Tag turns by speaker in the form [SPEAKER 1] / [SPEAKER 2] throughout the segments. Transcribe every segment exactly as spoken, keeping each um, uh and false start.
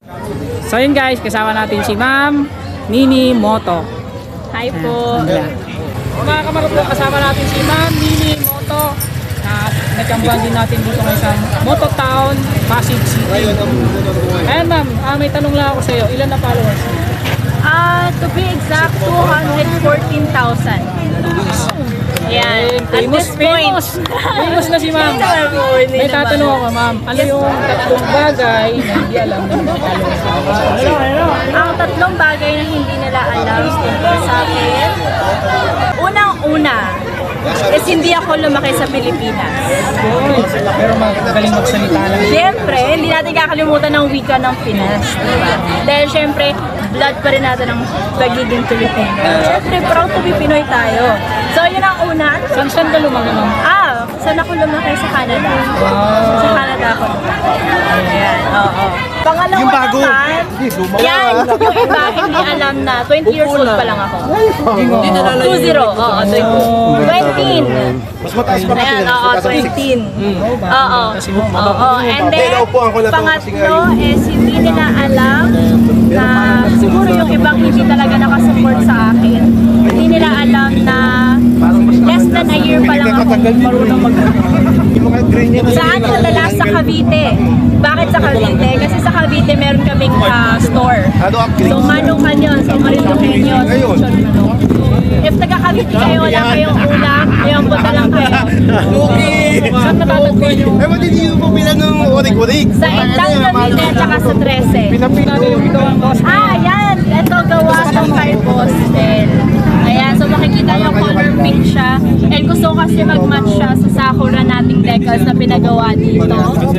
[SPEAKER 1] So yun guys, kasama natin si Ma'am Nini Moto.
[SPEAKER 2] Hi po.
[SPEAKER 1] Ayan. Mga kamarupok, kasama natin si Ma'am Nini Moto na nagkambuhan din natin dito ngayon sa Moto Town, Pasig City. Ayan ma'am, ah, may tanong lang ako sa iyo. Ilan na followers?
[SPEAKER 2] Ah, to be exact, two hundred fourteen thousand. Yan. At
[SPEAKER 1] Famous,
[SPEAKER 2] this point,
[SPEAKER 1] famous. Famous na si ma'am.
[SPEAKER 2] Hindi naman po, hindi
[SPEAKER 1] May
[SPEAKER 2] naman.
[SPEAKER 1] tatanong ako ma'am, ano yung tatlong bagay na hindi alam ng mga followers natin?
[SPEAKER 2] ang tatlong bagay na hindi nila alam tungkol sa akin. Unang-una, is hindi ako lumaki sa Pilipinas.
[SPEAKER 1] Pero magaling magsalita lang.
[SPEAKER 2] Siyempre, hindi natin kakalimutan ng wika ng Pinas, diba? Dahil siyempre, blood pa rin natin ang pagiging Pilipino. Siyempre, proud to be Pinoy tayo. So, yun ang una.
[SPEAKER 1] Saan saan ka lumaki ma'am?
[SPEAKER 2] Ah, saan ako lumaki? Sa Canada. Sa Canada ako lumaki. Ayan, oo. Pangalawa
[SPEAKER 3] Yung bago.
[SPEAKER 2] naman, yan, yung iba hindi alam na twenty years old pa lang ako. two zero, oo, twenty.
[SPEAKER 3] Mas mataas pa kasi.
[SPEAKER 2] Ayan, oo, twenty. Oo, oo. And then, pangatlo is hindi nila alam na siguro yung ibang hindi talaga nakasupport sa akin. Hindi nila alam na less than a year pa lang ako marunong mag Saan nadala? Sa Cavite. Bakit sa Cavite? Kasi sa Cavite meron kaming ah, store. So manukan yun, so marindukin yun. If taga Cavite kayo, wala kayong ulam, ngayon punta lang kayo.
[SPEAKER 1] Saan natatagpuan yung
[SPEAKER 3] Eh, ba't hindi mo bilang ng orig-orig?
[SPEAKER 2] Sa Indang Cavite at saka sa Trece.
[SPEAKER 1] pinapinado yung ikaw ang boss?
[SPEAKER 2] Ah, yan! Ito gawa ng kay Boston. Ayan, so makikita nyo color pink siya. And gusto ko kasi mag-match siya sa sakura nating decals na pinagawa dito.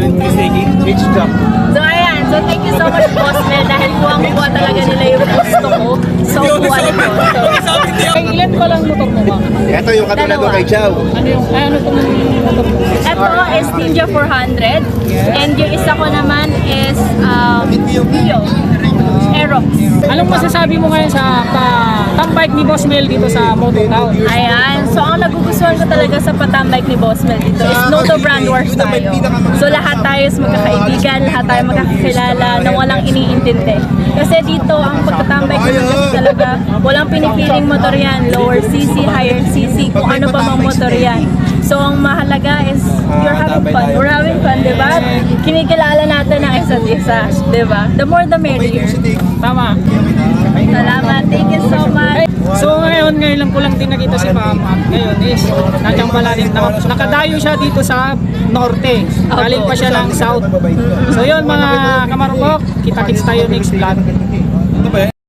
[SPEAKER 2] So ayan, so thank you so much Boss Mel dahil kuwang-kuwa talaga nila yung gusto ko. So kuha nito.
[SPEAKER 1] Ay, ilan pa lang motor mo ma'am?
[SPEAKER 3] Ito yung katulad
[SPEAKER 2] Dalawa.
[SPEAKER 3] ko kay Chow.
[SPEAKER 1] Ano yung, ay, ano itong motor mo?
[SPEAKER 2] Ito is Ninja four hundred. And yung isa ko naman is um, Dio. Aerox.
[SPEAKER 1] Anong masasabi mo ngayon sa pa, top bike ni Boss Mel dito sa Moto Town?
[SPEAKER 2] Ayan, so ang nagugustuhan ko talaga sa patambike ni Boss Mel dito is no to brand wars tayo. So lahat tayo is magkakaibigan, lahat tayo magkakilala na walang iniintindi. Kasi dito ang pagtatambike naman kasi talaga walang pinipiling motor yan, lower C C, higher C C, kung ano pa mang motor yan. So ang mahalaga is you're having fun, we're having fun, di ba? Kinikilala natin ang isa't isa, di ba? The more the merrier.
[SPEAKER 1] Tama.
[SPEAKER 2] Salamat, thank you so much.
[SPEAKER 1] So ngayon, ngayon lang ko lang din nakita si Ma'am. At ngayon is, nandiyan pala din, naka- nakadayo siya dito sa Norte. Galing pa siya ng South. So yun mga kamarupok, kita-kits tayo next vlog.